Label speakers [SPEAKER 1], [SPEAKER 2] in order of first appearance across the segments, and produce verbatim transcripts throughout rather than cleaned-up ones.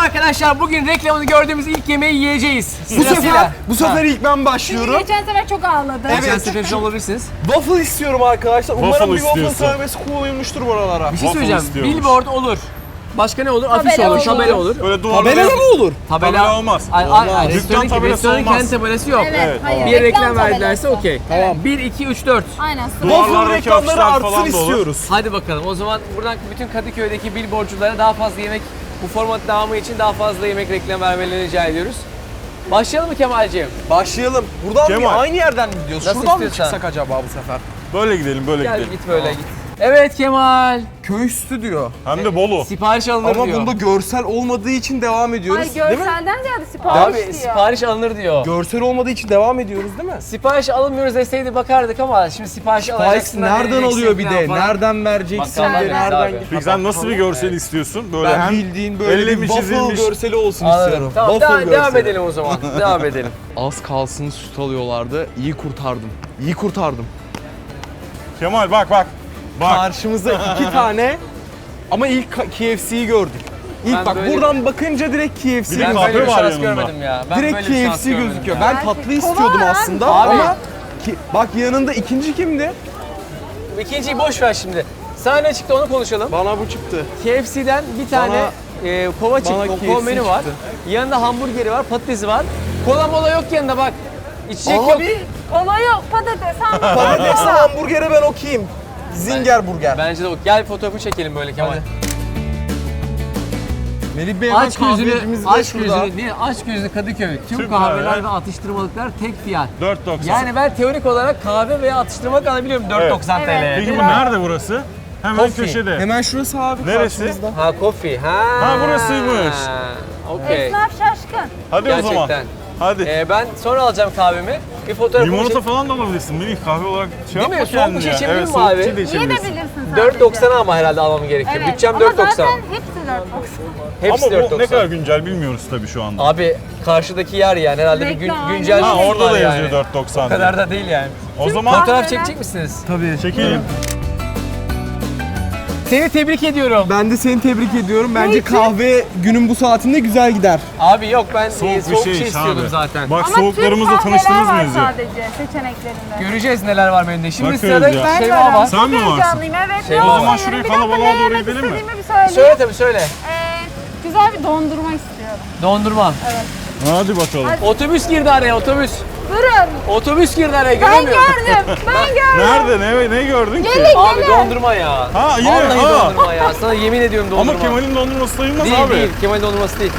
[SPEAKER 1] arkadaşlar, bugün reklamını gördüğümüz ilk yemeği yiyeceğiz.
[SPEAKER 2] Bu sefer, bu sefer
[SPEAKER 1] Ha.
[SPEAKER 2] ilk ben
[SPEAKER 3] Çünkü
[SPEAKER 2] başlıyorum.
[SPEAKER 3] geçen sefer çok ağladı.
[SPEAKER 1] Geçen
[SPEAKER 2] Evet.
[SPEAKER 1] sefer şey olabilirsiniz.
[SPEAKER 2] Waffle istiyorum arkadaşlar. Umarım
[SPEAKER 4] Waffle
[SPEAKER 2] bir waffle
[SPEAKER 4] istiyorsun.
[SPEAKER 2] servisi koymuştur buralara.
[SPEAKER 1] Bir şey
[SPEAKER 4] Waffle
[SPEAKER 1] söyleyeceğim.
[SPEAKER 4] istiyormuş.
[SPEAKER 1] Billboard olur. Başka ne olur? Afiş
[SPEAKER 3] Tabela
[SPEAKER 1] olur,
[SPEAKER 3] olur.
[SPEAKER 1] tabela olur.
[SPEAKER 4] Böyle duvarlara
[SPEAKER 2] Tabela
[SPEAKER 4] yaz-
[SPEAKER 2] mı olur?
[SPEAKER 4] Tabela olmaz.
[SPEAKER 1] Ay, ay, ay,
[SPEAKER 4] Dükkan
[SPEAKER 1] restoranın,
[SPEAKER 4] tabelası
[SPEAKER 1] restoranın
[SPEAKER 4] olmaz.
[SPEAKER 1] kendi tabelası yok.
[SPEAKER 3] Evet,
[SPEAKER 4] Evet,
[SPEAKER 3] hayır.
[SPEAKER 1] Bir reklam
[SPEAKER 3] Reklam
[SPEAKER 1] verdilerse
[SPEAKER 3] tabelası.
[SPEAKER 1] okey.
[SPEAKER 2] Tamam.
[SPEAKER 1] bir, iki, üç, dört.
[SPEAKER 3] Aynen. Sıra.
[SPEAKER 4] Duvarlar-
[SPEAKER 2] Waffle
[SPEAKER 4] Duvarlardaki
[SPEAKER 2] reklamları
[SPEAKER 4] afişler falan
[SPEAKER 2] artsın
[SPEAKER 4] da olur.
[SPEAKER 2] istiyoruz.
[SPEAKER 1] Hadi bakalım. O zaman buradan bütün Kadıköy'deki billboardculara daha fazla yemek, bu format devamı için daha fazla yemek reklam vermelerini rica ediyoruz. Başlayalım mı Kemal'ciğim?
[SPEAKER 2] Başlayalım. Buradan
[SPEAKER 4] Kemal.
[SPEAKER 2] bir aynı yerden mi gidiyoruz?
[SPEAKER 1] Nasıl
[SPEAKER 2] Şuradan mı
[SPEAKER 1] istiyorsan.
[SPEAKER 2] çıksak acaba bu sefer?
[SPEAKER 4] Böyle gidelim, böyle
[SPEAKER 1] Gel
[SPEAKER 4] gidelim.
[SPEAKER 1] git böyle git. Evet Kemal.
[SPEAKER 2] Köy üstü diyor.
[SPEAKER 4] Hem de Bolu.
[SPEAKER 1] Sipariş alınır
[SPEAKER 2] Ama
[SPEAKER 1] diyor.
[SPEAKER 2] bunda görsel olmadığı için devam ediyoruz.
[SPEAKER 3] Ay
[SPEAKER 2] değil mi?
[SPEAKER 3] görselden ziyade sipariş
[SPEAKER 1] Abi
[SPEAKER 3] diyor.
[SPEAKER 1] sipariş alınır diyor.
[SPEAKER 2] Görsel olmadığı için devam ediyoruz değil mi?
[SPEAKER 1] Sipariş alınmıyoruz deseydi bakardık ama şimdi sipariş
[SPEAKER 2] Sipariş
[SPEAKER 1] alacaksın.
[SPEAKER 2] nereden alıyor bir de? Nereden vereceksin de?
[SPEAKER 1] Bakkaldan
[SPEAKER 2] Nereden?
[SPEAKER 1] abi.
[SPEAKER 4] Peki sen nasıl bir görsel istiyorsun? Böyle
[SPEAKER 2] Ben
[SPEAKER 4] hem
[SPEAKER 2] bildiğin böyle
[SPEAKER 4] elle
[SPEAKER 2] bir
[SPEAKER 4] mi
[SPEAKER 2] waffle
[SPEAKER 4] çizilmiş?
[SPEAKER 2] görseli olsun
[SPEAKER 1] Anladım.
[SPEAKER 2] istiyorum.
[SPEAKER 1] Tamam
[SPEAKER 2] Waffle
[SPEAKER 1] devam, devam
[SPEAKER 2] görseli.
[SPEAKER 1] edelim o zaman. devam edelim.
[SPEAKER 2] Az kalsın süt alıyorlardı. İyi kurtardım. İyi kurtardım.
[SPEAKER 4] Kemal bak bak. Bak.
[SPEAKER 2] Karşımıza iki tane ama ilk ka- K F C'yi gördük. İlk
[SPEAKER 1] Ben
[SPEAKER 2] bak
[SPEAKER 1] böyle-
[SPEAKER 2] buradan bakınca direkt K F C
[SPEAKER 4] Bir de
[SPEAKER 1] Ben
[SPEAKER 4] kahve
[SPEAKER 1] böyle bir
[SPEAKER 4] var
[SPEAKER 1] şans
[SPEAKER 4] yanında.
[SPEAKER 1] görmedim ya. Ben
[SPEAKER 2] direkt
[SPEAKER 1] böyle bir
[SPEAKER 2] K
[SPEAKER 1] şans
[SPEAKER 2] F C
[SPEAKER 1] görmedim
[SPEAKER 2] gözüküyor.
[SPEAKER 1] ya.
[SPEAKER 2] Ben
[SPEAKER 3] Gerçek
[SPEAKER 2] tatlı istiyordum
[SPEAKER 3] kola
[SPEAKER 2] aslında
[SPEAKER 1] Abi.
[SPEAKER 2] ama ki, bak yanında ikinci kimdi?
[SPEAKER 1] İkinciyi boş ver şimdi. Sana ne çıktı onu konuşalım.
[SPEAKER 2] Bana bu çıktı.
[SPEAKER 1] K F C'den bir tane e, kova çıktı,
[SPEAKER 2] bana
[SPEAKER 1] kova
[SPEAKER 2] K F C
[SPEAKER 1] menü var.
[SPEAKER 2] çıktı.
[SPEAKER 1] Yanında hamburgeri var, patatesi var. Kola mola yok yanında bak. İçecek yok.
[SPEAKER 2] Abi
[SPEAKER 3] Kola yok, patates, hamburger.
[SPEAKER 2] patatesli hamburgere ben okuyayım. Zinger burger.
[SPEAKER 1] Bence de o. Gel fotoğrafı çekelim böyle Kemal.
[SPEAKER 2] Melih Bey
[SPEAKER 1] Aç gözünü,
[SPEAKER 2] kahvecimiz de
[SPEAKER 1] aç
[SPEAKER 2] şurada.
[SPEAKER 1] gözünü, değil, aç gözünü Kadıköy. Tüm
[SPEAKER 4] Süper
[SPEAKER 1] kahveler
[SPEAKER 4] ya.
[SPEAKER 1] ve atıştırmalıklar tek fiyat.
[SPEAKER 4] dört doksan.
[SPEAKER 1] Yani ben teorik olarak kahve veya atıştırmalık alabiliyorum dört doksan
[SPEAKER 3] Evet.
[SPEAKER 1] T L'ye.
[SPEAKER 4] Peki bu nerede burası? Hemen
[SPEAKER 1] Coffee.
[SPEAKER 4] köşede.
[SPEAKER 2] Hemen şurası abi
[SPEAKER 4] Neresi?
[SPEAKER 2] karşımızda.
[SPEAKER 1] Ha coffee. Ha.
[SPEAKER 4] Ha, burasıymış.
[SPEAKER 1] Okey.
[SPEAKER 3] Esnaf şaşkın.
[SPEAKER 4] Hadi o zaman.
[SPEAKER 1] Gerçekten.
[SPEAKER 4] Hadi.
[SPEAKER 1] Ee, ben sonra alacağım kahvemi. Bir fotoğrafımı
[SPEAKER 4] Limonata
[SPEAKER 1] çek-
[SPEAKER 4] falan da alabilirsin. Melih kahve olarak şey
[SPEAKER 1] Değil mi?
[SPEAKER 4] yapma
[SPEAKER 1] Soğuk bir
[SPEAKER 4] kendine
[SPEAKER 1] şey
[SPEAKER 4] ya.
[SPEAKER 1] içebilir
[SPEAKER 4] Evet,
[SPEAKER 1] miyim
[SPEAKER 4] soğuk
[SPEAKER 1] abi?
[SPEAKER 4] bir şey de
[SPEAKER 3] Niye de
[SPEAKER 4] içebilirsin.
[SPEAKER 3] bilirsin sadece.
[SPEAKER 1] dört doksana ama herhalde almam gerekiyor.
[SPEAKER 3] Evet.
[SPEAKER 1] Bütçem
[SPEAKER 3] Ama
[SPEAKER 1] dört doksan.
[SPEAKER 3] zaten hepsi dört doksan.
[SPEAKER 1] Hepsi
[SPEAKER 4] Ama
[SPEAKER 1] dört
[SPEAKER 4] bu
[SPEAKER 1] doksan.
[SPEAKER 4] ne kadar güncel bilmiyoruz tabii şu anda.
[SPEAKER 1] Abi karşıdaki yer yani herhalde bir gün,
[SPEAKER 3] Reklam,
[SPEAKER 1] güncel
[SPEAKER 3] aynen.
[SPEAKER 4] Ha
[SPEAKER 1] bir
[SPEAKER 4] orada
[SPEAKER 1] var
[SPEAKER 4] da yazıyor
[SPEAKER 1] yani.
[SPEAKER 4] dört doksan.
[SPEAKER 1] O kadar da değil yani.
[SPEAKER 4] O zaman
[SPEAKER 1] Fotoğraf
[SPEAKER 3] Kahveler-
[SPEAKER 1] çekecek misiniz?
[SPEAKER 2] Tabii.
[SPEAKER 4] çekelim.
[SPEAKER 1] Seni tebrik ediyorum.
[SPEAKER 2] Ben de seni tebrik ediyorum. Bence kahve günün bu saatinde güzel gider.
[SPEAKER 1] Abi yok ben
[SPEAKER 4] Soğuk
[SPEAKER 1] soğuk,
[SPEAKER 4] bir
[SPEAKER 1] soğuk bir
[SPEAKER 4] şey
[SPEAKER 1] şey istiyordum
[SPEAKER 4] abi.
[SPEAKER 1] zaten.
[SPEAKER 4] Bak
[SPEAKER 3] Ama
[SPEAKER 4] soğuklarımızla
[SPEAKER 3] Türk
[SPEAKER 4] tanıştınız
[SPEAKER 3] kahveler
[SPEAKER 4] mı
[SPEAKER 3] var
[SPEAKER 4] yazıyor.
[SPEAKER 3] sadece seçeneklerinde.
[SPEAKER 1] Göreceğiz neler var menüde. Şimdi
[SPEAKER 4] Bakıyoruz
[SPEAKER 1] sırada
[SPEAKER 4] ya.
[SPEAKER 3] Ben
[SPEAKER 1] Şeyma
[SPEAKER 3] varım.
[SPEAKER 1] var.
[SPEAKER 4] Sen mi
[SPEAKER 3] Çok
[SPEAKER 4] varsın?
[SPEAKER 3] heyecanlıyım, evet.
[SPEAKER 1] Şey,
[SPEAKER 3] Ne
[SPEAKER 1] o
[SPEAKER 3] olsa
[SPEAKER 4] zaman
[SPEAKER 3] yerim.
[SPEAKER 4] şuraya
[SPEAKER 3] Bir dakika,
[SPEAKER 4] kalabalığa
[SPEAKER 3] ne
[SPEAKER 4] doğru
[SPEAKER 3] yemek
[SPEAKER 4] gidelim mi?
[SPEAKER 3] istediğimi bir söyleyeyim.
[SPEAKER 1] Söyle tabii söyle.
[SPEAKER 3] Ee, güzel bir dondurma istiyorum.
[SPEAKER 1] Dondurma.
[SPEAKER 4] Hadi bakalım.
[SPEAKER 3] Hadi.
[SPEAKER 1] Otobüs girdi araya otobüs.
[SPEAKER 3] Durun.
[SPEAKER 1] Otobüs girdi araya
[SPEAKER 3] Ben
[SPEAKER 1] göremiyorum.
[SPEAKER 3] gördüm. Ben gördüm.
[SPEAKER 4] Nerede? Ne, ne gördün ki?
[SPEAKER 3] Gelin
[SPEAKER 1] Abi
[SPEAKER 3] gelin.
[SPEAKER 1] dondurma ya.
[SPEAKER 4] Ha yine
[SPEAKER 1] Vallahi
[SPEAKER 4] ha.
[SPEAKER 1] dondurma ya. Sana yemin ediyorum dondurma.
[SPEAKER 4] Ama Kemal'in dondurması sayılmaz
[SPEAKER 1] Değil
[SPEAKER 4] abi.
[SPEAKER 1] değil. Kemal'in dondurması değil.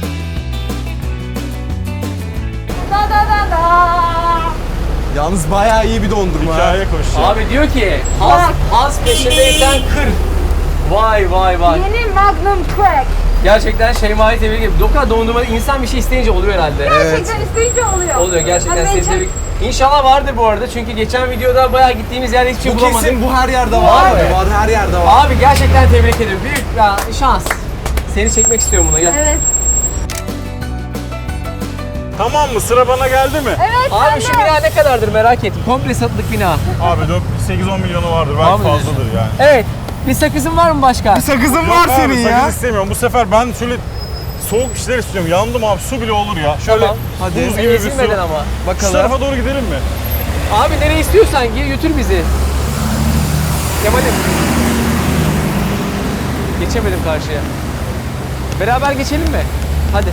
[SPEAKER 3] Da da da da.
[SPEAKER 2] Yalnız bayağı iyi bir dondurma. ha.
[SPEAKER 4] Hikaye koşuyor.
[SPEAKER 1] Abi diyor ki az,
[SPEAKER 3] Bak.
[SPEAKER 1] az peşindeysen kır. Vay vay vay.
[SPEAKER 3] Yeni Magnum Crack.
[SPEAKER 1] Gerçekten Şeyma'yı tebrik ederim. Doka dondurma insan bir şey isteyince oluyor herhalde.
[SPEAKER 3] Gerçekten isteyince oluyor.
[SPEAKER 1] Oluyor gerçekten
[SPEAKER 3] Hadi
[SPEAKER 1] seni
[SPEAKER 3] ben
[SPEAKER 1] tebrik. İnşallah vardır bu arada çünkü geçen videoda bayağı gittiğimiz yerde hiçbir şey
[SPEAKER 2] Bu
[SPEAKER 1] bulamadık.
[SPEAKER 2] kesin bu her yerde var.
[SPEAKER 1] Var
[SPEAKER 2] Var,
[SPEAKER 1] mı?
[SPEAKER 2] var her yerde var.
[SPEAKER 1] Abi gerçekten tebrik ederim. Büyük ya, şans. Seni çekmek istiyorum buna gel.
[SPEAKER 3] Evet.
[SPEAKER 4] Tamam mı? Sıra bana geldi mi?
[SPEAKER 3] Evet.
[SPEAKER 1] Abi
[SPEAKER 3] sen
[SPEAKER 1] şu
[SPEAKER 3] de.
[SPEAKER 1] bina ne kadardır merak ettim. Komple satılık bina.
[SPEAKER 4] Abi sekiz on milyonu vardır. Belki
[SPEAKER 1] Abi diyorsun.
[SPEAKER 4] fazladır yani.
[SPEAKER 1] Evet. Bir sakızın var mı başka?
[SPEAKER 2] Sakızın
[SPEAKER 4] Yok
[SPEAKER 2] var
[SPEAKER 4] abi,
[SPEAKER 2] senin
[SPEAKER 4] sakız
[SPEAKER 2] ya.
[SPEAKER 4] istemiyorum. Bu sefer ben şöyle soğuk bir şeyler istiyorum. Yandım abi. Su bile olur ya. Şöyle
[SPEAKER 1] Tamam.
[SPEAKER 4] hadi. buz
[SPEAKER 1] Seni
[SPEAKER 4] gibi bir su.
[SPEAKER 1] ezilmeden ama.
[SPEAKER 4] Şu
[SPEAKER 2] Bakalım.
[SPEAKER 4] tarafa doğru gidelim mi?
[SPEAKER 1] Abi nereye istiyorsan gir götür bizi. Kemal'im. Geçemedim karşıya. Beraber geçelim mi? Hadi.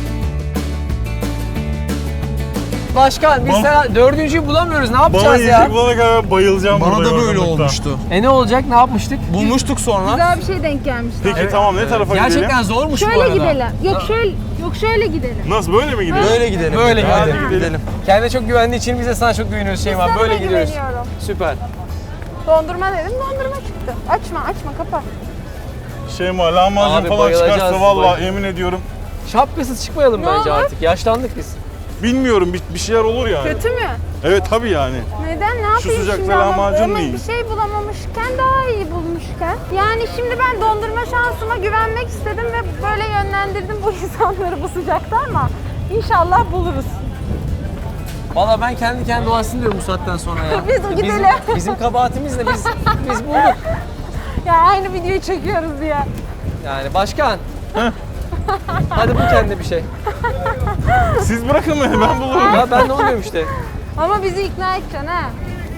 [SPEAKER 1] Başkan biz
[SPEAKER 4] Bal-
[SPEAKER 1] sana dördüncüyü bulamıyoruz. Ne
[SPEAKER 4] Bana
[SPEAKER 1] yapacağız ya?
[SPEAKER 4] yiyecek bulana kadar bayılacağım
[SPEAKER 2] Bana
[SPEAKER 4] burada
[SPEAKER 2] da böyle
[SPEAKER 4] yorgunluktan.
[SPEAKER 2] olmuştu.
[SPEAKER 1] E ne olacak? Ne yapmıştık?
[SPEAKER 2] Bulmuştuk sonra.
[SPEAKER 3] Güzel bir şey denk gelmişti.
[SPEAKER 4] Peki tamam ne tarafa
[SPEAKER 1] Gerçekten
[SPEAKER 4] gidelim?
[SPEAKER 1] zormuş bu
[SPEAKER 3] Şöyle
[SPEAKER 1] arada.
[SPEAKER 3] gidelim. Yok şöyle, yok şöyle gidelim.
[SPEAKER 4] Nasıl böyle mi gidelim?
[SPEAKER 2] Böyle gidelim.
[SPEAKER 1] Böyle
[SPEAKER 4] Hadi
[SPEAKER 1] gidelim.
[SPEAKER 4] gidelim.
[SPEAKER 1] Kendine çok güvendiği için biz de sana çok güveniyoruz Şeyma.
[SPEAKER 3] Sana
[SPEAKER 1] Böyle
[SPEAKER 3] da
[SPEAKER 1] gidiyoruz.
[SPEAKER 3] güveniyorum.
[SPEAKER 1] Süper.
[SPEAKER 3] Dondurma dedim, dondurma çıktı. Açma, açma, kapat.
[SPEAKER 4] Şeyma
[SPEAKER 1] Abi
[SPEAKER 4] lahmacun falan
[SPEAKER 1] bayılacağız,
[SPEAKER 4] çıkarsa vallahi
[SPEAKER 1] bay-
[SPEAKER 4] emin ediyorum.
[SPEAKER 1] Şapkasız çıkmayalım
[SPEAKER 3] Ne
[SPEAKER 1] bence
[SPEAKER 3] olur?
[SPEAKER 1] artık. Yaşlandık biz.
[SPEAKER 4] Bilmiyorum bir, bir şeyler olur yani.
[SPEAKER 3] Kötü mü?
[SPEAKER 4] Evet tabii yani.
[SPEAKER 3] Neden? Ne yapayım
[SPEAKER 4] sıcakta
[SPEAKER 3] şimdi ama
[SPEAKER 4] lahmacun
[SPEAKER 3] ama
[SPEAKER 4] değil.
[SPEAKER 3] bir şey bulamamışken daha iyi bulmuşken. Yani şimdi ben dondurma şansıma güvenmek istedim ve böyle yönlendirdim bu insanları bu sıcakta ama inşallah buluruz.
[SPEAKER 1] Valla ben kendi kendi dolaşsın diyorum bu saatten sonra ya.
[SPEAKER 3] Biz o
[SPEAKER 1] Bizim,
[SPEAKER 3] gidelim.
[SPEAKER 1] bizim kabahatimiz ne? Biz, biz bulduk.
[SPEAKER 3] Ya aynı videoyu çekiyoruz diye.
[SPEAKER 1] Yani başkan. Hadi bul kendine bir şey.
[SPEAKER 4] Siz bırakın beni, ben bulurum.
[SPEAKER 1] Ya ben de oluyorum işte.
[SPEAKER 3] Ama bizi ikna edeceksin ha.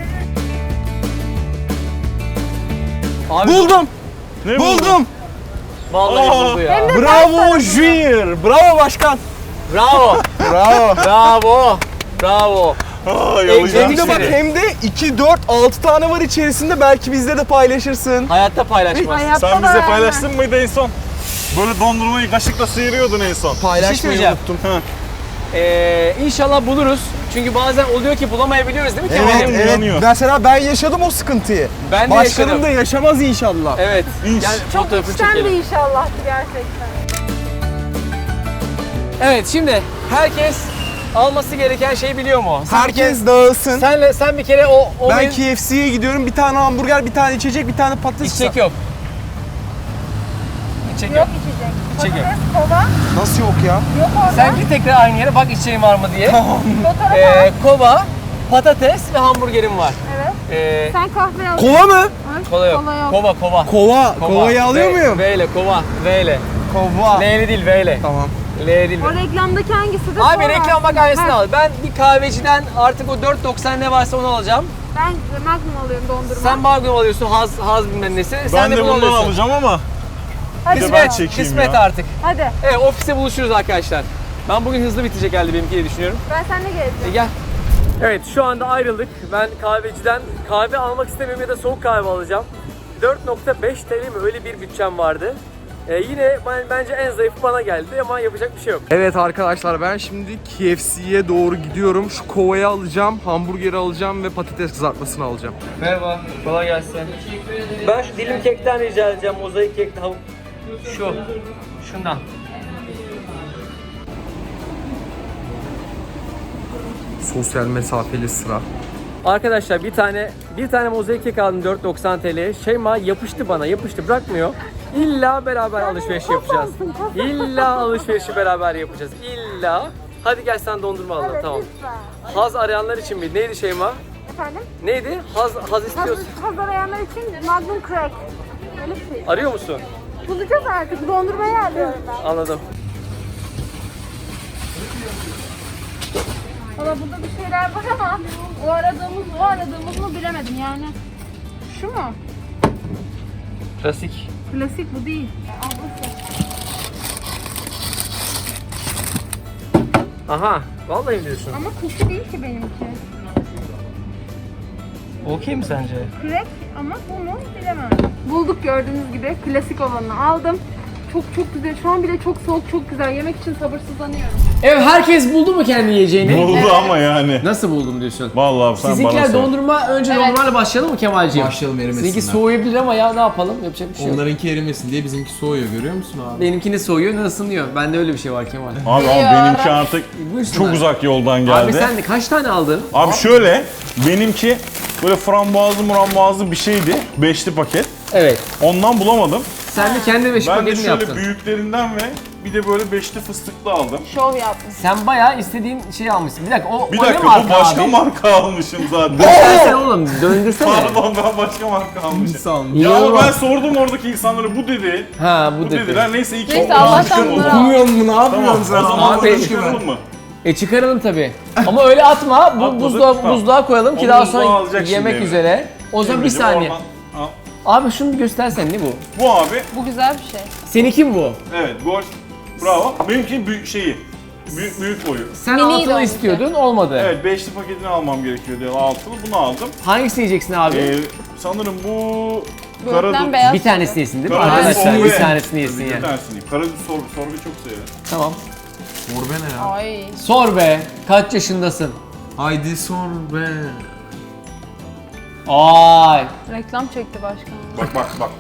[SPEAKER 1] Abi
[SPEAKER 2] Buldum.
[SPEAKER 4] Ne
[SPEAKER 2] Buldum.
[SPEAKER 1] Vallahi
[SPEAKER 4] Aa.
[SPEAKER 1] buldu ya.
[SPEAKER 3] Hem de
[SPEAKER 2] Bravo Junior. Bravo başkan.
[SPEAKER 1] Bravo.
[SPEAKER 2] Bravo.
[SPEAKER 1] Bravo. Bravo.
[SPEAKER 4] Aa,
[SPEAKER 1] Hem
[SPEAKER 2] Hem
[SPEAKER 4] yalayacağım.
[SPEAKER 2] de bak hem de iki, dört, altı tane var içerisinde, belki bizle de paylaşırsın.
[SPEAKER 1] Hayatta paylaşmaz.
[SPEAKER 3] Hayatta
[SPEAKER 4] Sen
[SPEAKER 3] da
[SPEAKER 4] bize
[SPEAKER 3] yani.
[SPEAKER 4] paylaştın mıydı en son? Böyle dondurmayı kaşıkla sıyırıyordun en son.
[SPEAKER 2] Paylaşmayı
[SPEAKER 1] söyleyeceğim.
[SPEAKER 2] unuttum.
[SPEAKER 4] Ha.
[SPEAKER 1] Ee, inşallah buluruz. Çünkü bazen oluyor ki bulamayabiliyoruz değil mi
[SPEAKER 2] Evet,
[SPEAKER 1] Kemal'im?
[SPEAKER 2] evet.
[SPEAKER 4] yanıyor.
[SPEAKER 2] Mesela ben yaşadım o sıkıntıyı.
[SPEAKER 1] Ben de
[SPEAKER 2] Başkanım
[SPEAKER 1] yaşadım.
[SPEAKER 2] da yaşamaz inşallah.
[SPEAKER 1] Evet.
[SPEAKER 4] İnş.
[SPEAKER 1] Gel
[SPEAKER 3] Çok
[SPEAKER 1] fotoğrafını
[SPEAKER 3] içten bir
[SPEAKER 1] çekelim.
[SPEAKER 3] inşallahdı gerçekten.
[SPEAKER 1] Evet şimdi herkes alması gereken şeyi biliyor mu? Sen
[SPEAKER 2] Herkes dağılsın.
[SPEAKER 1] Senle sen bir kere o o
[SPEAKER 2] Ben
[SPEAKER 1] benim-
[SPEAKER 2] K F C'ye gidiyorum. Bir tane hamburger, bir tane içecek, bir tane patates.
[SPEAKER 1] içecek yok. İçecek yok.
[SPEAKER 3] Yok içecek.
[SPEAKER 1] İçecek yok.
[SPEAKER 3] Patates, kova.
[SPEAKER 2] Nasıl yok ya?
[SPEAKER 3] Yok orada.
[SPEAKER 1] Sen git tekrar aynı yere bak içeceğim var mı diye.
[SPEAKER 3] Fotoğraf al.
[SPEAKER 1] ee, kova, patates ve hamburgerim var.
[SPEAKER 3] Evet.
[SPEAKER 1] Ee,
[SPEAKER 3] Sen kahve al.
[SPEAKER 2] Kova mı?
[SPEAKER 3] Ha?
[SPEAKER 1] kola yok.
[SPEAKER 3] Kola yok.
[SPEAKER 1] Kova kova.
[SPEAKER 2] Kova. Kovayı alıyor
[SPEAKER 1] V-
[SPEAKER 2] muyum?
[SPEAKER 1] V ile kova. V ile.
[SPEAKER 2] Kova.
[SPEAKER 1] L'li değil V ile.
[SPEAKER 2] Tamam.
[SPEAKER 1] L'li değil.
[SPEAKER 3] O reklamdaki hangisi de
[SPEAKER 1] Abi
[SPEAKER 3] sonra
[SPEAKER 1] reklam bak
[SPEAKER 3] aslında.
[SPEAKER 1] aynısını
[SPEAKER 3] Ha,
[SPEAKER 1] al. Ben bir kahveciden artık o dört doksan ne varsa onu alacağım.
[SPEAKER 3] Ben Magnum alıyorum dondurma.
[SPEAKER 1] Sen Magnum alıyorsun, Haz, Haz bilmem nesi. Sen
[SPEAKER 4] Ben
[SPEAKER 1] de
[SPEAKER 4] de
[SPEAKER 1] bunu
[SPEAKER 4] bundan
[SPEAKER 1] alıyorsun.
[SPEAKER 4] alacağım ama
[SPEAKER 3] Hadi
[SPEAKER 4] bir de
[SPEAKER 3] bakalım.
[SPEAKER 4] ben çekeyim
[SPEAKER 1] Kısmet
[SPEAKER 4] ya.
[SPEAKER 1] artık.
[SPEAKER 3] Hadi.
[SPEAKER 1] Evet ofiste buluşuruz arkadaşlar. Ben bugün hızlı bitecek herhalde benimki diye düşünüyorum.
[SPEAKER 3] Ben seninle
[SPEAKER 1] E,
[SPEAKER 3] geleceğim.
[SPEAKER 1] gel. Evet şu anda ayrıldık. Ben kahveciden kahve almak istemiyorum ya da soğuk kahve alacağım. dört nokta beş T L mi öyle bir bütçem vardı. Ee, yine ben, bence en zayıfı bana geldi ama yapacak bir şey yok.
[SPEAKER 2] Evet arkadaşlar, ben şimdi K F C'ye doğru gidiyorum. Şu kovayı alacağım, hamburgeri alacağım ve patates kızartmasını alacağım.
[SPEAKER 1] Merhaba, kolay gelsin. Ben şu dilim kekten rica edeceğim, mozaik kekten. Şu, şundan.
[SPEAKER 2] Sosyal mesafeli sıra.
[SPEAKER 1] Arkadaşlar bir tane bir tane mozaik kek aldım dört doksan T L'ye. Şeyma yapıştı bana, yapıştı bırakmıyor. İlla beraber alışveriş yapacağız. İlla alışverişi beraber yapacağız. İlla. Hadi gel sen dondurma alalım
[SPEAKER 3] Evet,
[SPEAKER 1] tamam.
[SPEAKER 3] lütfen.
[SPEAKER 1] Haz arayanlar için mi? Neydi Şeyma?
[SPEAKER 3] Efendim?
[SPEAKER 1] Neydi? Haz haz
[SPEAKER 3] Hazır,
[SPEAKER 1] istiyorsun.
[SPEAKER 3] hazır arayanlar için Magnum Crack. Öyle bir şey.
[SPEAKER 1] Arıyor musun?
[SPEAKER 3] Bulacağız artık. Dondurmayı arıyorum ben.
[SPEAKER 1] Anladım.
[SPEAKER 3] Valla burada bir şeyler var ama o aradığımız o aradığımız mı bilemedim yani. Şu mu?
[SPEAKER 1] Klasik.
[SPEAKER 3] Klasik bu değil. Ablası.
[SPEAKER 1] Aha. Vallahi mi diyorsun?
[SPEAKER 3] Ama kuki değil ki benimki.
[SPEAKER 1] Okey mi sence?
[SPEAKER 3] Crack ama bu mu bilemem. Bulduk gördüğünüz gibi. Klasik olanı aldım. Çok çok güzel. Şu an bile çok soğuk, çok güzel. Yemek için sabırsızlanıyorum.
[SPEAKER 1] Evet herkes buldu mu kendi yiyeceğini?
[SPEAKER 4] Oldu ama yani.
[SPEAKER 1] Nasıl buldum diyorsun?
[SPEAKER 4] Vallahi sen bana
[SPEAKER 1] Sizinkiler
[SPEAKER 4] sor.
[SPEAKER 1] dondurma, önce
[SPEAKER 3] Evet.
[SPEAKER 1] dondurmayla başlayalım mı Kemalciğim?
[SPEAKER 5] Başlayalım, erimesinler.
[SPEAKER 1] Sizinki soğuyabilir ama ya ne yapalım? Yapacak bir şey yok.
[SPEAKER 5] Onlarınki erimesin diye bizimki soğuyor, görüyor musun abi?
[SPEAKER 1] Benimkini soğuyor, ne ısınıyor. Bende öyle bir şey var Kemal.
[SPEAKER 4] Abi ama benimki artık
[SPEAKER 1] Buyursunlar.
[SPEAKER 4] çok uzak yoldan geldi.
[SPEAKER 1] Abi sen de kaç tane aldın?
[SPEAKER 4] Abi şöyle, benimki böyle frambuazlı murambuazlı bir şeydi. Beşli paket.
[SPEAKER 1] Evet.
[SPEAKER 4] Ondan bulamadım.
[SPEAKER 1] Sen de kendi beş
[SPEAKER 4] Ben de
[SPEAKER 1] paketini
[SPEAKER 4] şöyle
[SPEAKER 1] yaptın.
[SPEAKER 4] büyüklerinden ve bir de böyle beşli fıstıklı aldım.
[SPEAKER 3] Şov yapmış.
[SPEAKER 1] Sen bayağı istediğin şeyi almışsın. Bir dakika o,
[SPEAKER 4] Bir
[SPEAKER 1] o ne
[SPEAKER 4] dakika, bu
[SPEAKER 1] marka
[SPEAKER 4] başka
[SPEAKER 1] abi?
[SPEAKER 4] marka almışım zaten.
[SPEAKER 1] Göstersene oğlum, döndürsene.
[SPEAKER 4] Pardon, ben başka marka almışım.
[SPEAKER 5] Sağ olun.
[SPEAKER 4] Ya ama ben
[SPEAKER 1] İnanılmaz.
[SPEAKER 4] sordum oradaki insanlara, bu dedi.
[SPEAKER 1] Ha bu,
[SPEAKER 4] Bu
[SPEAKER 1] dedi.
[SPEAKER 4] dediler. Neyse iki
[SPEAKER 3] Neyse,
[SPEAKER 4] oldu.
[SPEAKER 3] Allah'tan
[SPEAKER 4] Çıkaralım.
[SPEAKER 3] bunları al.
[SPEAKER 2] Okumuyor mu? Ne
[SPEAKER 4] Tamam,
[SPEAKER 2] yapıyorsun
[SPEAKER 4] o
[SPEAKER 2] sen?
[SPEAKER 4] zaman
[SPEAKER 1] Abi,
[SPEAKER 4] bunu çıkaralım mı?
[SPEAKER 1] E çıkaralım tabii. Ama öyle atma. Bu
[SPEAKER 4] Atmadık,
[SPEAKER 1] buzluğa,
[SPEAKER 4] tamam.
[SPEAKER 1] buzluğa koyalım ki
[SPEAKER 4] Onu
[SPEAKER 1] daha
[SPEAKER 4] buzluğa
[SPEAKER 1] sonra
[SPEAKER 4] alacak
[SPEAKER 1] yemek
[SPEAKER 4] şimdi
[SPEAKER 1] üzere. O zaman bir
[SPEAKER 4] Emre'cim,
[SPEAKER 1] saniye.
[SPEAKER 4] oradan al.
[SPEAKER 1] Abi şunu bir göstersen ne bu?
[SPEAKER 4] Bu abi,
[SPEAKER 3] Bu güzel bir şey.
[SPEAKER 1] Seninki mi bu?
[SPEAKER 4] evet gol. Bravo. Benimki büyük şeyi. Büyük büyük boyu.
[SPEAKER 1] Sen
[SPEAKER 3] Mini
[SPEAKER 1] altılı
[SPEAKER 3] de
[SPEAKER 1] istiyordun, olmadı.
[SPEAKER 4] Evet, beşli paketini almam gerekiyor diye altılı. Bunu aldım.
[SPEAKER 1] Hangisini yiyeceksin abi?
[SPEAKER 4] Ee, sanırım bu
[SPEAKER 3] Böğürtlen
[SPEAKER 4] karadut.
[SPEAKER 3] beyaz.
[SPEAKER 1] bir tanesini yesin değil mi?
[SPEAKER 4] Karadut
[SPEAKER 1] Arkadaşlar
[SPEAKER 4] sorbe.
[SPEAKER 1] bir tanesini yesin
[SPEAKER 4] Bir
[SPEAKER 1] ya.
[SPEAKER 4] tanesini yiyeyim. Karadut sorbe, sorbe çok severim.
[SPEAKER 1] Tamam.
[SPEAKER 5] Sor be ne ya?
[SPEAKER 3] Ay.
[SPEAKER 1] Sor be. Kaç yaşındasın?
[SPEAKER 5] Haydi sor be.
[SPEAKER 1] Ay.
[SPEAKER 3] Reklam çekti başkanım.
[SPEAKER 4] Bak bak bak.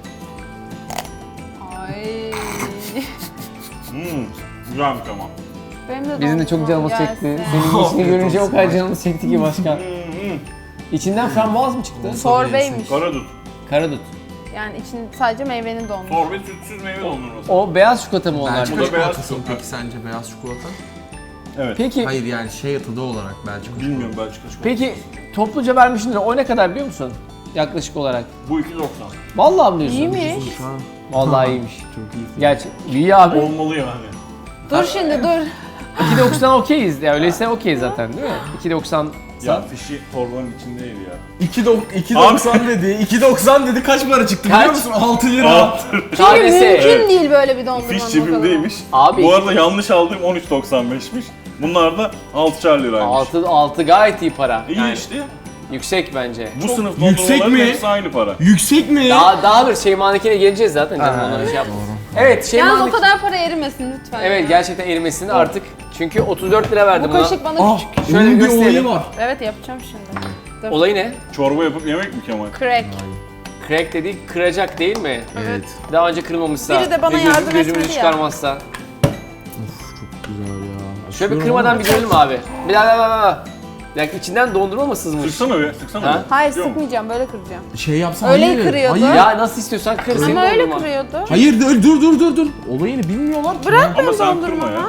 [SPEAKER 3] Ay.
[SPEAKER 4] Hmm, güzelmiş ama.
[SPEAKER 3] Benim de
[SPEAKER 1] Bizim de çok
[SPEAKER 3] dondurmam
[SPEAKER 1] canımız
[SPEAKER 3] gelsin.
[SPEAKER 1] çekti. Senin işini görünce o kadar canımız çekti ki başkan.
[SPEAKER 4] Hmm, hmm.
[SPEAKER 1] İçinden frambuaz mı çıktı?
[SPEAKER 3] Sorbeymiş.
[SPEAKER 4] Karadut.
[SPEAKER 1] Karadut.
[SPEAKER 3] Yani için sadece meyvenin dondurması.
[SPEAKER 4] Sorbe sütsüz meyve dondurması.
[SPEAKER 1] O beyaz çikolata mı onlar?
[SPEAKER 5] Belçika
[SPEAKER 4] Bu da beyaz
[SPEAKER 5] çikolatası mı
[SPEAKER 4] çikolata.
[SPEAKER 5] peki sence, beyaz çikolata?
[SPEAKER 4] Evet.
[SPEAKER 1] Peki,
[SPEAKER 5] Hayır yani şey tadı olarak Belçika
[SPEAKER 4] Bilmiyorum Belçika çikolatası.
[SPEAKER 1] peki topluca vermişsindir. O ne kadar biliyor musun? Yaklaşık olarak.
[SPEAKER 4] Bu iki doksan.
[SPEAKER 1] Vallahi mi diyorsun?
[SPEAKER 3] İyiymiş.
[SPEAKER 5] çikolata.
[SPEAKER 1] Vallahi iyiymiş.
[SPEAKER 5] Çok iyi.
[SPEAKER 1] Gerçi iyi abi.
[SPEAKER 4] Olmalı yani.
[SPEAKER 3] Dur şimdi dur.
[SPEAKER 1] iki doksan okeyiz ya, öyleyse okey zaten değil mi? iki doksan
[SPEAKER 4] Ya fişi torbanın içindeydi ya.
[SPEAKER 2] iki doksan dedi. iki doksan dedi. Kaç para çıktı
[SPEAKER 1] Kaç?
[SPEAKER 2] biliyor musun? altı lira.
[SPEAKER 3] Çünkü
[SPEAKER 1] tanesi.
[SPEAKER 3] mümkün değil böyle bir dondurmanın
[SPEAKER 4] Fiş
[SPEAKER 3] o
[SPEAKER 4] cebimdeymiş.
[SPEAKER 1] Abi-
[SPEAKER 4] Bu arada yanlış aldığım on üç doksan beşmiş. Bunlar da altışar liraymış.
[SPEAKER 1] altı altı gayet iyi para.
[SPEAKER 4] İyi
[SPEAKER 1] Yani
[SPEAKER 4] işte.
[SPEAKER 1] yüksek bence.
[SPEAKER 4] Bu sınıf
[SPEAKER 2] yüksek
[SPEAKER 4] dondurmaların
[SPEAKER 2] mi?
[SPEAKER 4] hepsi aynı para.
[SPEAKER 2] Yüksek mi?
[SPEAKER 1] Daha daha bir Şeyma'nınkine geleceğiz zaten canım, onları şey yapma. Evet
[SPEAKER 3] Yalnız o
[SPEAKER 1] Şeyma'nınki.
[SPEAKER 3] kadar para erimesin lütfen.
[SPEAKER 1] Evet
[SPEAKER 3] ya.
[SPEAKER 1] gerçekten erimesin artık. Çünkü otuz dört lira verdim
[SPEAKER 3] Bu
[SPEAKER 1] buna.
[SPEAKER 3] kaşık bana
[SPEAKER 2] Ah,
[SPEAKER 3] küçük.
[SPEAKER 1] Şöyle
[SPEAKER 2] onun bir
[SPEAKER 1] gösterelim.
[SPEAKER 2] olayı var.
[SPEAKER 3] Evet yapacağım şimdi. Dur.
[SPEAKER 1] Olayı ne?
[SPEAKER 4] Çorba yapıp yemek mi Kemal?
[SPEAKER 3] Crack.
[SPEAKER 1] Crack dediği kıracak değil mi?
[SPEAKER 2] Evet.
[SPEAKER 1] Daha önce kırılmamışsa.
[SPEAKER 3] Biri de bana
[SPEAKER 1] ve gözüm-
[SPEAKER 3] yardım
[SPEAKER 1] Gözümüzü
[SPEAKER 3] etmedi ya.
[SPEAKER 1] çıkarmazsa.
[SPEAKER 2] Güzel ya.
[SPEAKER 1] Şöyle bir kırmadan bir görelim abi. Bir daha daha daha daha. Ya içinden dondurma mı sızmış?
[SPEAKER 4] Sıksana be, sıksana
[SPEAKER 1] Ha?
[SPEAKER 4] be.
[SPEAKER 3] Hayır
[SPEAKER 4] Yok.
[SPEAKER 3] sıkmayacağım böyle kıracağım.
[SPEAKER 2] Şey yapsana.
[SPEAKER 3] Öyle
[SPEAKER 2] hayır.
[SPEAKER 3] kırıyordu.
[SPEAKER 2] Hayır.
[SPEAKER 1] Ya nasıl istiyorsan kır. senin
[SPEAKER 3] Ama öyle
[SPEAKER 1] dondurma.
[SPEAKER 3] kırıyordu.
[SPEAKER 2] Hayır dur dur dur dur dur. Olayını bilmiyorlar.
[SPEAKER 3] Bırak
[SPEAKER 4] Ama
[SPEAKER 3] ben
[SPEAKER 4] sen kırma ya.
[SPEAKER 3] dondurmamı.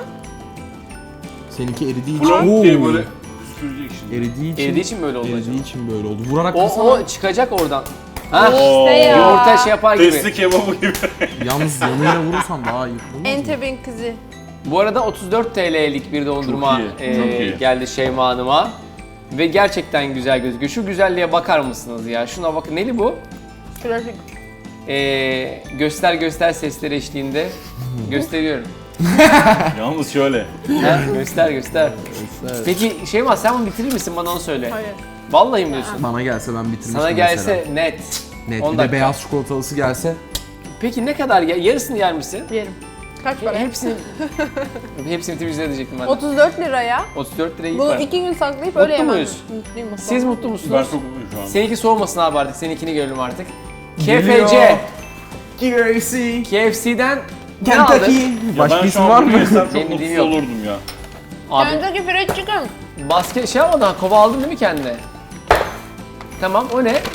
[SPEAKER 2] Seninki eridiği için.
[SPEAKER 4] Blok diye
[SPEAKER 2] Oo.
[SPEAKER 4] böyle püskürecek şimdi.
[SPEAKER 2] Eridiği için.
[SPEAKER 1] Eridiği için böyle oldu
[SPEAKER 2] Eridiği
[SPEAKER 1] acaba.
[SPEAKER 2] için böyle oldu. Vurarak
[SPEAKER 1] O,
[SPEAKER 2] kırsana.
[SPEAKER 1] o çıkacak oradan. Ha?
[SPEAKER 4] Oo.
[SPEAKER 3] İşte ya.
[SPEAKER 1] Yoğurta şey yapar gibi.
[SPEAKER 4] Testi kebabı gibi.
[SPEAKER 2] Yalnız yanıyla vurursan daha iyi. Olmaz mı?
[SPEAKER 3] Entebin kızı.
[SPEAKER 1] Bu arada otuz dört T L'lik bir dondurma
[SPEAKER 4] Çok iyi,
[SPEAKER 1] e,
[SPEAKER 4] çok iyi.
[SPEAKER 1] geldi Şeyma Hanım'a. Ve gerçekten güzel gözüküyor. Şu güzelliğe bakar mısınız ya? Şuna bakın. Neli bu?
[SPEAKER 3] Klasik.
[SPEAKER 1] E, göster göster sesleri eşliğinde gösteriyorum.
[SPEAKER 4] Yalnız şöyle.
[SPEAKER 1] Ha, göster göster. Peki Şeyma sen bunu bitirir misin? Bana onu söyle.
[SPEAKER 3] Hayır.
[SPEAKER 1] Vallahi mi diyorsun?
[SPEAKER 2] Bana gelse ben bitirmiştim
[SPEAKER 1] Sana gelse
[SPEAKER 2] mesela.
[SPEAKER 1] net.
[SPEAKER 2] Net.
[SPEAKER 1] on
[SPEAKER 2] Bir
[SPEAKER 1] dakika.
[SPEAKER 2] de beyaz çikolatalısı gelse.
[SPEAKER 1] Peki ne kadar ya? Yarısını yer misin?
[SPEAKER 3] Yerim. Kaç para?
[SPEAKER 1] Hepsini hepsini temizle diyecektim ben. de.
[SPEAKER 3] otuz dört liraya.
[SPEAKER 1] otuz dört lirayı iyi
[SPEAKER 3] Bunu
[SPEAKER 1] para.
[SPEAKER 3] iki gün saklayıp
[SPEAKER 1] Mutlu
[SPEAKER 3] öyle yemem.
[SPEAKER 1] muyuz?
[SPEAKER 3] Mutluyum mutlu.
[SPEAKER 1] Siz mutlu
[SPEAKER 4] Ben
[SPEAKER 1] musunuz?
[SPEAKER 4] çok mutluyum şu an.
[SPEAKER 1] Seninki soğumasın abi artık. Seninkini görelim artık. K
[SPEAKER 2] Geliyor.
[SPEAKER 1] F C.
[SPEAKER 2] K F C.
[SPEAKER 1] K F C'den ne aldın?
[SPEAKER 2] Kentucky.
[SPEAKER 4] Ya
[SPEAKER 2] Başka
[SPEAKER 4] ben
[SPEAKER 2] isim
[SPEAKER 4] şu
[SPEAKER 2] var
[SPEAKER 4] an
[SPEAKER 2] mı?
[SPEAKER 4] bunu yesem çok
[SPEAKER 1] Benim
[SPEAKER 4] mutsuz
[SPEAKER 1] bildiğim yok.
[SPEAKER 4] olurdum ya.
[SPEAKER 1] Abi
[SPEAKER 3] Kentucky Fried Chicken.
[SPEAKER 1] basket şey yapmadın ha, kova aldın değil mi kendine? Tamam, o ne?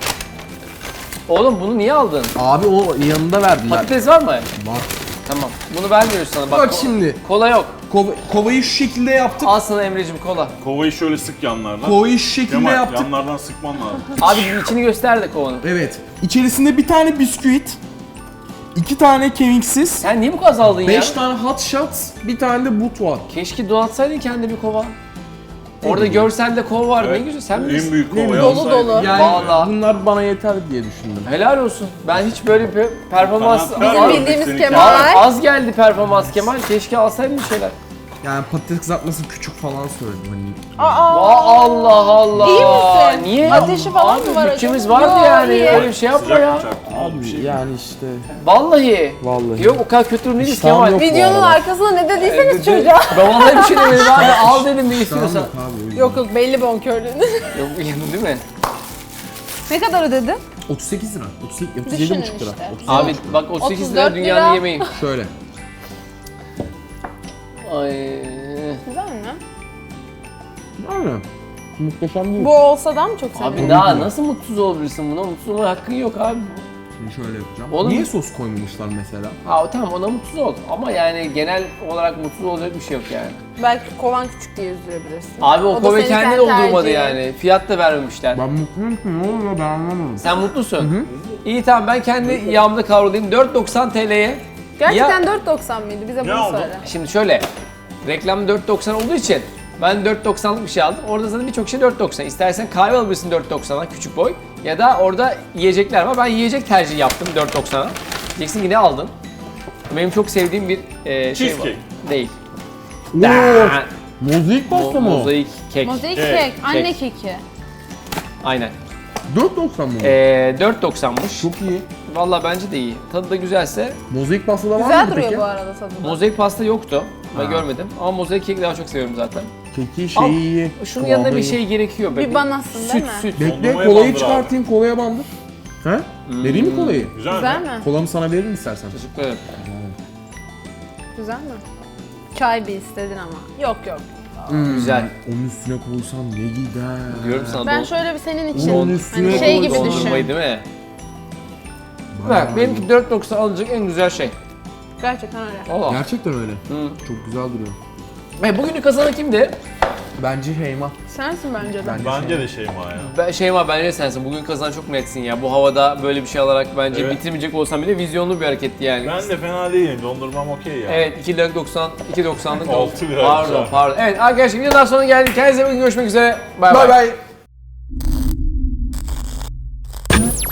[SPEAKER 1] Oğlum bunu niye aldın?
[SPEAKER 2] Abi o yanında verdiler.
[SPEAKER 1] Patates var mı?
[SPEAKER 2] Var.
[SPEAKER 1] Tamam. Bunu vermiyoruz sana. Bak,
[SPEAKER 2] Bak
[SPEAKER 1] ko-
[SPEAKER 2] şimdi.
[SPEAKER 1] Kola yok.
[SPEAKER 2] Kova- kovayı şu şekilde yaptık.
[SPEAKER 1] Al sana Emre'cim kola.
[SPEAKER 4] Kovayı şöyle sık yanlardan.
[SPEAKER 2] Kovayı şu şekilde
[SPEAKER 4] Kemal
[SPEAKER 2] yaptık.
[SPEAKER 4] yanlardan sıkman lazım.
[SPEAKER 1] Abi içini göster de kovanın.
[SPEAKER 2] Evet. İçerisinde bir tane bisküvit, iki tane kemiksiz,
[SPEAKER 1] Sen niye bu kadar az aldın ya?
[SPEAKER 2] beş tane hot shots, bir tane de but var.
[SPEAKER 1] Keşke donatsaydın kendine bir kova. Orada görselde kova var. Ne güzel. Sen
[SPEAKER 4] En
[SPEAKER 1] bilirsin.
[SPEAKER 4] büyük kovayı
[SPEAKER 3] Dolu
[SPEAKER 4] alsaydın.
[SPEAKER 3] dolu.
[SPEAKER 2] Yani
[SPEAKER 1] Vallahi.
[SPEAKER 2] bunlar bana yeter diye düşündüm.
[SPEAKER 1] Helal olsun. Ben hiç böyle bir performans...
[SPEAKER 4] Sanatlar
[SPEAKER 1] Az,
[SPEAKER 4] var.
[SPEAKER 3] Bildiğimiz
[SPEAKER 4] Seninki-
[SPEAKER 3] Kemal.
[SPEAKER 1] az geldi performans Kemal. Keşke alsaydın bir şeyler.
[SPEAKER 2] Yani patates kızartması küçük falan söyledim hani.
[SPEAKER 3] Aa.
[SPEAKER 1] Aa, Allah Allah.
[SPEAKER 3] İyi misin?
[SPEAKER 1] Niye?
[SPEAKER 3] Ateşi falan
[SPEAKER 1] Abi,
[SPEAKER 3] mı var
[SPEAKER 1] bütçemiz
[SPEAKER 3] acaba?
[SPEAKER 1] vardı
[SPEAKER 3] Yo,
[SPEAKER 1] yani.
[SPEAKER 3] iyi.
[SPEAKER 1] Öyle bir şey yapma
[SPEAKER 4] Sıcak
[SPEAKER 1] ya.
[SPEAKER 4] bıçak.
[SPEAKER 2] Abi
[SPEAKER 4] Bir şey.
[SPEAKER 2] yani işte.
[SPEAKER 1] Vallahi.
[SPEAKER 2] Vallahi.
[SPEAKER 1] Yok o kadar kötü durum değiliz
[SPEAKER 2] İştahım
[SPEAKER 1] Kemal.
[SPEAKER 2] yok. Bu
[SPEAKER 3] Videonun
[SPEAKER 2] arada.
[SPEAKER 3] arkasına ne dediyseniz
[SPEAKER 1] Dedi-
[SPEAKER 3] çocuğa.
[SPEAKER 1] Ben vallahi bir şey demedim abi. Al dedim ne istiyorsan.
[SPEAKER 2] Tamam abi o yüzden.
[SPEAKER 3] Yok yok belli bonkörlüğünü.
[SPEAKER 1] Yok değil mi?
[SPEAKER 3] Ne kadar ödedin?
[SPEAKER 2] otuz sekiz lira. otuz sekiz, otuz
[SPEAKER 3] Düşünün
[SPEAKER 2] yedi buçuk lira.
[SPEAKER 3] işte.
[SPEAKER 2] otuz-
[SPEAKER 1] Abi bak otuz sekiz
[SPEAKER 3] otuz dört
[SPEAKER 1] lira dünyanın
[SPEAKER 3] lira.
[SPEAKER 1] yemeği.
[SPEAKER 2] Şöyle.
[SPEAKER 1] Ay.
[SPEAKER 3] Güzel mi?
[SPEAKER 2] Yani muhteşem değil.
[SPEAKER 3] Bu olsa da mı çok seviyorum?
[SPEAKER 1] Abi daha nasıl mutsuz olabilirsin buna? Mutsuz olma hakkın yok abi.
[SPEAKER 2] Şimdi şöyle yapacağım.
[SPEAKER 1] Oğlum-
[SPEAKER 2] Niye sos koymamışlar mesela?
[SPEAKER 1] Ha tamam ona mutsuz ol. Ama yani genel olarak mutsuz olacak bir şey yok yani.
[SPEAKER 3] Belki kovan küçük diye üzülebilirsin.
[SPEAKER 1] Abi o
[SPEAKER 3] da
[SPEAKER 1] kove
[SPEAKER 3] senin
[SPEAKER 1] kendi
[SPEAKER 3] kendi
[SPEAKER 1] doldurmadı
[SPEAKER 3] tercihin.
[SPEAKER 1] yani. Fiyat da vermemişler.
[SPEAKER 2] Ben mutluyum ki ne oluyor ben anlamadım.
[SPEAKER 1] Sen mutlusun. İyi tamam ben kendi yağımda kavrulayım. dört doksan T L'ye.
[SPEAKER 3] Gerçekten
[SPEAKER 1] Ya-
[SPEAKER 3] dört doksan mıydı? Bize bunu
[SPEAKER 4] oldu?
[SPEAKER 3] söyle.
[SPEAKER 1] Şimdi şöyle. Reklam dört doksan olduğu için ben dört doksanlık bir şey aldım. Orada zaten birçok şey dört doksan. İstersen kahve alabilirsin dört doksana küçük boy. Ya da orada yiyecekler var. Ben yiyecek tercih yaptım dört doksana. Diyeceksin ki ne aldın? Benim çok sevdiğim bir e, şey var.
[SPEAKER 4] Cheesecake.
[SPEAKER 1] Değil.
[SPEAKER 2] Oo, mozaik
[SPEAKER 1] Mo-
[SPEAKER 2] pasta mı o?
[SPEAKER 1] mozaik kek.
[SPEAKER 3] Mozaik
[SPEAKER 4] Kek,
[SPEAKER 3] kek, anne
[SPEAKER 1] kek.
[SPEAKER 3] keki.
[SPEAKER 1] Aynen.
[SPEAKER 2] dört doksan mı?
[SPEAKER 1] E, dört doksanmış.
[SPEAKER 2] Çok iyi.
[SPEAKER 1] Vallahi bence de iyi. Tadı da güzelse.
[SPEAKER 2] Mozaik pasta da var
[SPEAKER 3] Güzel
[SPEAKER 2] mı
[SPEAKER 3] duruyor
[SPEAKER 2] peki?
[SPEAKER 3] bu arada tadı da.
[SPEAKER 1] Mozaik pasta yoktu. Ben
[SPEAKER 2] Ha.
[SPEAKER 1] görmedim. Ama mozaik keki daha çok seviyorum zaten.
[SPEAKER 2] Keki
[SPEAKER 1] Al,
[SPEAKER 2] şeyi iyi.
[SPEAKER 1] Şunun
[SPEAKER 2] kıvamı
[SPEAKER 1] yanında bir
[SPEAKER 2] iyi.
[SPEAKER 1] şey gerekiyor. be.
[SPEAKER 3] Bir banasın değil
[SPEAKER 1] süt,
[SPEAKER 3] mi?
[SPEAKER 1] Süt,
[SPEAKER 2] Bekle
[SPEAKER 4] Dondurmaya
[SPEAKER 2] kolayı
[SPEAKER 4] bandır
[SPEAKER 2] çıkartayım kolaya bandır. He? Vereyim mi kolayı?
[SPEAKER 4] Güzel,
[SPEAKER 3] Güzel
[SPEAKER 4] mi?
[SPEAKER 3] mi?
[SPEAKER 2] Kolamı sana veririm istersen.
[SPEAKER 1] Teşekkür ederim.
[SPEAKER 3] Güzel mi? Çay bir istedin ama. Yok yok.
[SPEAKER 1] Güzel.
[SPEAKER 2] Onun üstüne koysam ne gider?
[SPEAKER 1] Diyorum sana.
[SPEAKER 3] Ben
[SPEAKER 1] don-
[SPEAKER 3] şöyle bir senin
[SPEAKER 2] Onun
[SPEAKER 3] için
[SPEAKER 2] üstüne
[SPEAKER 3] hani şey gibi
[SPEAKER 2] koy,
[SPEAKER 3] düşün.
[SPEAKER 1] dondurmayı değil mi?
[SPEAKER 2] Bayağı
[SPEAKER 1] Bak benimki dört doksan alınacak en güzel şey.
[SPEAKER 3] Gerçekten öyle.
[SPEAKER 1] Allah.
[SPEAKER 2] Gerçekten öyle.
[SPEAKER 1] Hı.
[SPEAKER 2] Çok güzel duruyor.
[SPEAKER 1] E, bugünün kazananı kimdi?
[SPEAKER 5] Bence Heyma.
[SPEAKER 3] Sensin bence de.
[SPEAKER 4] Bence de Şeyma ya.
[SPEAKER 1] Ben, Şeyma bence sensin. Bugün kazanan çok netsin ya. Bu havada böyle bir şey alarak bence
[SPEAKER 4] Evet.
[SPEAKER 1] bitirmeyecek olsam bile vizyonlu bir hareketti yani.
[SPEAKER 4] Ben de fena değilim. Dondurmam okey ya.
[SPEAKER 1] Evet iki lira doksan, iki doksanlık.
[SPEAKER 4] Altı lira
[SPEAKER 1] Pardon
[SPEAKER 4] güzel.
[SPEAKER 1] pardon. Evet arkadaşlar videodan sonra geldik. Kendinize iyi bakın, görüşmek üzere. Bay
[SPEAKER 2] Bay
[SPEAKER 1] bay.
[SPEAKER 2] bay.